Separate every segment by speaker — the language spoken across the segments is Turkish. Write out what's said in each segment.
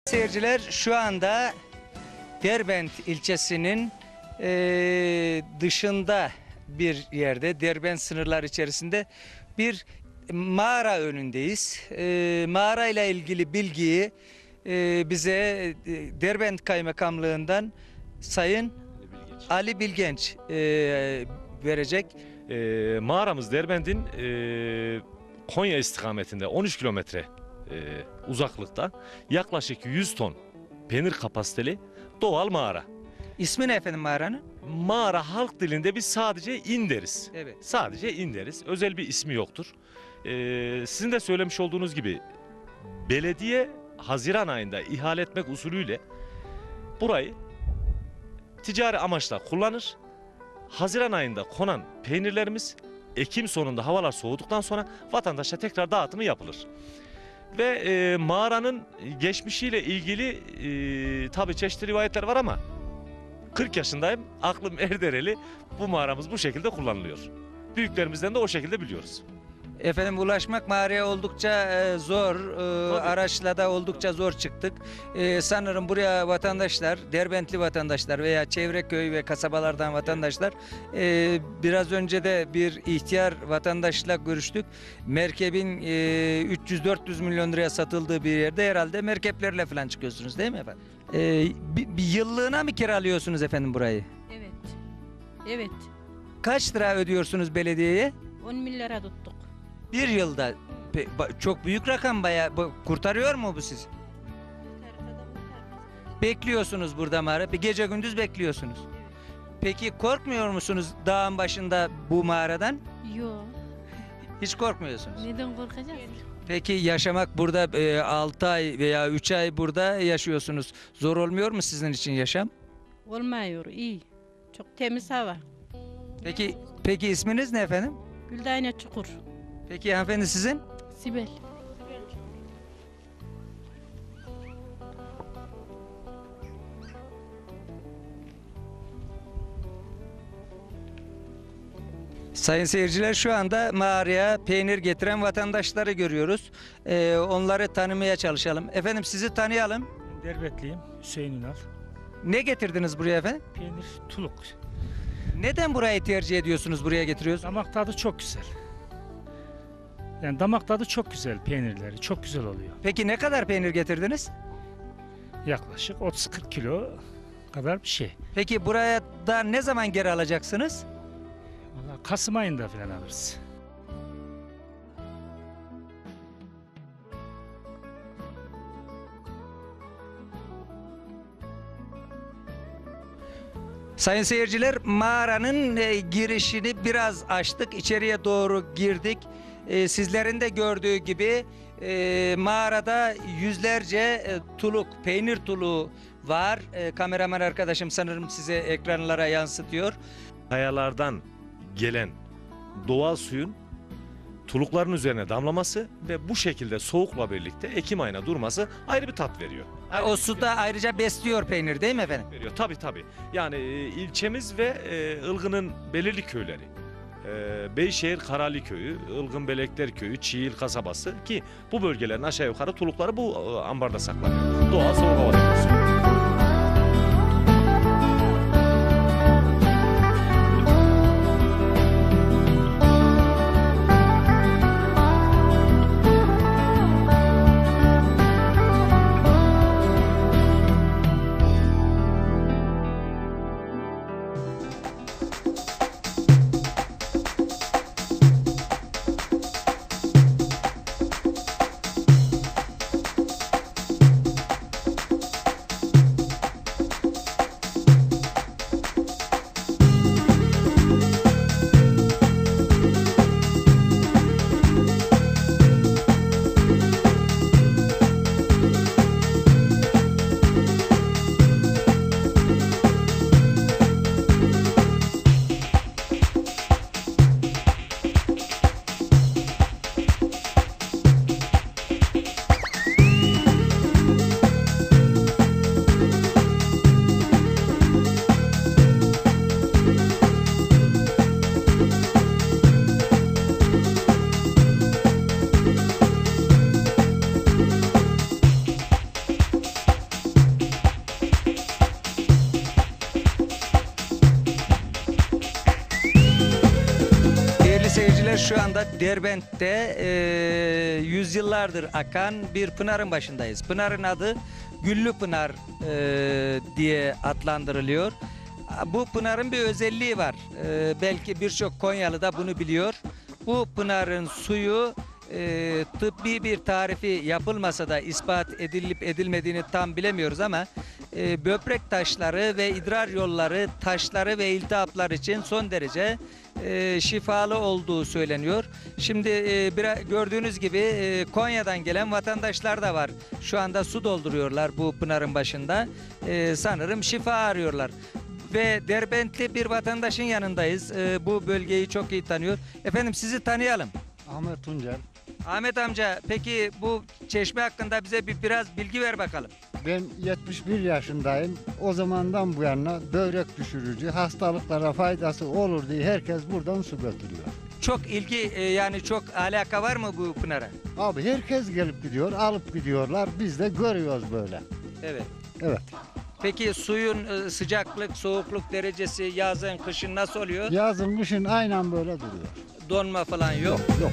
Speaker 1: Seyirciler, şu anda Derbent ilçesinin dışında bir yerde, Derbent sınırlar içerisinde bir mağara önündeyiz. Mağara ile ilgili bilgiyi bize Derbent Kaymakamlığından Sayın Ali Bilgenç verecek.
Speaker 2: Mağaramız Derbent'in Konya istikametinde 13 kilometre uzaklıkta, yaklaşık 100 ton peynir kapasiteli doğal mağara.
Speaker 1: İsmi ne efendim mağaranın?
Speaker 2: Mağara halk dilinde biz sadece in deriz.
Speaker 1: Evet.
Speaker 2: Sadece in deriz. Özel bir ismi yoktur. Sizin de söylemiş olduğunuz gibi belediye Haziran ayında ihale etmek usulüyle burayı ticari amaçla kullanır. Haziran ayında konan peynirlerimiz Ekim sonunda havalar soğuduktan sonra vatandaşa tekrar dağıtımı yapılır. Ve mağaranın geçmişiyle ilgili tabii çeşitli rivayetler var ama 40 yaşındayım, aklım erdereli, bu mağaramız bu şekilde kullanılıyor. Büyüklerimizden de o şekilde biliyoruz.
Speaker 1: Efendim, ulaşmak mağaraya oldukça zor, araçla da oldukça zor çıktık. Sanırım buraya vatandaşlar, Derbentli vatandaşlar veya çevre köy ve kasabalardan vatandaşlar, biraz önce de bir ihtiyar vatandaşla görüştük. Merkebin 300-400 milyon liraya satıldığı bir yerde herhalde merkeplerle falan çıkıyorsunuz değil mi efendim? Bir yıllığına mı kiralıyorsunuz efendim burayı?
Speaker 3: Evet. Evet.
Speaker 1: Kaç lira ödüyorsunuz belediyeye?
Speaker 3: 10 milyara tuttuk.
Speaker 1: Bir yılda. Çok büyük rakam, bayağı. Kurtarıyor mu bu sizi? Bekliyorsunuz burada mağara. Bir gece gündüz bekliyorsunuz. Peki korkmuyor musunuz dağın başında bu mağaradan?
Speaker 3: Yok.
Speaker 1: Hiç korkmuyorsunuz.
Speaker 3: Neden korkacağız?
Speaker 1: Peki yaşamak burada 6 ay veya 3 ay burada yaşıyorsunuz. Zor olmuyor mu sizin için yaşam?
Speaker 3: Olmuyor. İyi. Çok temiz hava.
Speaker 1: Peki isminiz ne efendim?
Speaker 3: Güldane Çukur.
Speaker 1: Peki hanımefendi sizin?
Speaker 3: Sibel.
Speaker 1: Sayın seyirciler, şu anda mağaraya peynir getiren vatandaşları görüyoruz. Onları tanımaya çalışalım. Efendim, sizi tanıyalım.
Speaker 4: Derbetliyim, Hüseyin Ünal.
Speaker 1: Ne getirdiniz buraya efendim?
Speaker 4: Peynir, tuluk.
Speaker 1: Neden burayı tercih ediyorsunuz, buraya getiriyorsunuz?
Speaker 4: Damak tadı çok güzel. Yani damak tadı çok güzel, peynirleri çok güzel oluyor.
Speaker 1: Peki ne kadar peynir getirdiniz?
Speaker 4: Yaklaşık 30-40 kilo kadar bir şey.
Speaker 1: Peki buraya da ne zaman geri alacaksınız?
Speaker 4: Vallahi Kasım ayında falan alırız.
Speaker 1: Sayın seyirciler, mağaranın girişini biraz açtık, içeriye doğru girdik. Sizlerin de gördüğü gibi mağarada yüzlerce tuluk, peynir tuluğu var. Kameraman arkadaşım sanırım size ekranlara yansıtıyor.
Speaker 2: Kayalardan gelen doğal suyun tulukların üzerine damlaması ve bu şekilde soğukla birlikte Ekim ayına durması ayrı bir tat veriyor.
Speaker 1: O su da ayrıca besliyor peynir değil mi efendim?
Speaker 2: Veriyor. Tabii tabii. Yani ilçemiz ve Ilgın'ın belirli köyleri. Beyşehir Karali Köyü, Ilgın Belekler Köyü, Çiğil kasabası ki bu bölgelerin aşağı yukarı tulukları bu ambarda saklanıyor. Doğal soğuk hava deposu.
Speaker 1: Bizler şu anda Derbent'te yüzyıllardır akan bir pınarın başındayız. Pınarın adı Güllü Pınar diye adlandırılıyor. Bu pınarın bir özelliği var. Belki birçok Konyalı da bunu biliyor. Bu pınarın suyu tıbbi bir tarifi yapılmasa da ispat edilip edilmediğini tam bilemiyoruz ama böbrek taşları ve idrar yolları taşları ve iltihaplar için son derece şifalı olduğu söyleniyor. Şimdi gördüğünüz gibi Konya'dan gelen vatandaşlar da var. Şu anda su dolduruyorlar bu pınarın başında. Sanırım şifa arıyorlar. Ve Derbentli bir vatandaşın yanındayız. Bu bölgeyi çok iyi tanıyor. Efendim sizi tanıyalım.
Speaker 5: Ahmet Tuncel.
Speaker 1: Ahmet amca peki bu çeşme hakkında bize biraz bilgi ver bakalım.
Speaker 5: Ben 71 yaşındayım. O zamandan bu yana börek düşürücü, hastalıklara faydası olur diye herkes buradan su götürüyor.
Speaker 1: Çok ilgi yani çok alaka var mı bu pınara?
Speaker 5: Abi herkes gelip gidiyor, alıp gidiyorlar. Biz de görüyoruz böyle.
Speaker 1: Evet.
Speaker 5: Evet.
Speaker 1: Peki suyun sıcaklık, soğukluk derecesi yazın, kışın nasıl oluyor?
Speaker 5: Yazın kışın aynen böyle duruyor.
Speaker 1: Donma falan yok.
Speaker 5: Yok.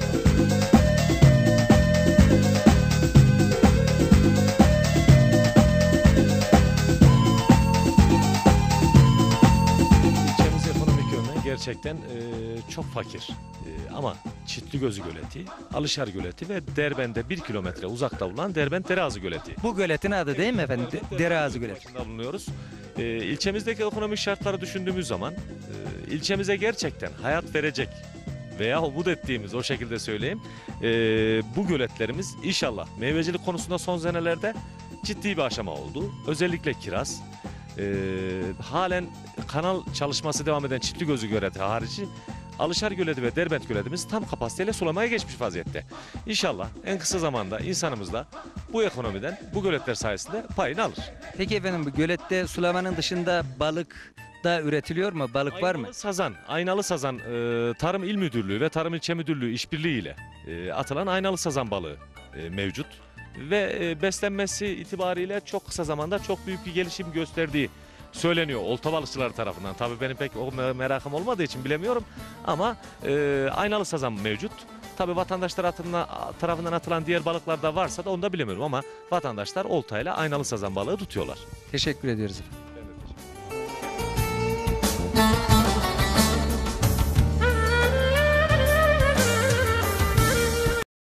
Speaker 2: İlçemiz ekonomik yönden gerçekten çok fakir. Ama Çitligözü Göleti, Alışar Göleti ve Derbent'e 1 kilometre uzakta bulunan Derbent Dereazı Göleti.
Speaker 1: Bu göletin adı değil mi efendim? Dereazı Göleti.
Speaker 2: Başında bulunuyoruz. İlçemizdeki ekonomik şartları düşündüğümüz zaman ilçemize gerçekten hayat verecek veya umut ettiğimiz o şekilde söyleyeyim. Bu göletlerimiz inşallah meyvecilik konusunda son senelerde ciddi bir aşama oldu. Özellikle kiraz. Halen kanal çalışması devam eden Çitligözü Göleti harici Alışar Göleti ve Derbent Göletimiz tam kapasiteyle sulamaya geçmiş vaziyette. İnşallah en kısa zamanda insanımız da bu ekonomiden, bu göletler sayesinde payını alır.
Speaker 1: Peki efendim bu gölette sulamanın dışında balık da üretiliyor mu? Balık var mı?
Speaker 2: Aynalı sazan Tarım İl Müdürlüğü ve Tarım İlçe Müdürlüğü işbirliğiyle atılan aynalı sazan balığı mevcut. Ve beslenmesi itibariyle çok kısa zamanda çok büyük bir gelişim gösterdiği söyleniyor olta balıkçıları tarafından. Tabii benim pek o merakım olmadığı için bilemiyorum ama aynalı sazan mevcut. Tabii vatandaşlar tarafından atılan diğer balıklar da varsa da onu da bilemiyorum ama vatandaşlar oltayla aynalı sazan balığı tutuyorlar.
Speaker 1: Teşekkür ediyoruz efendim.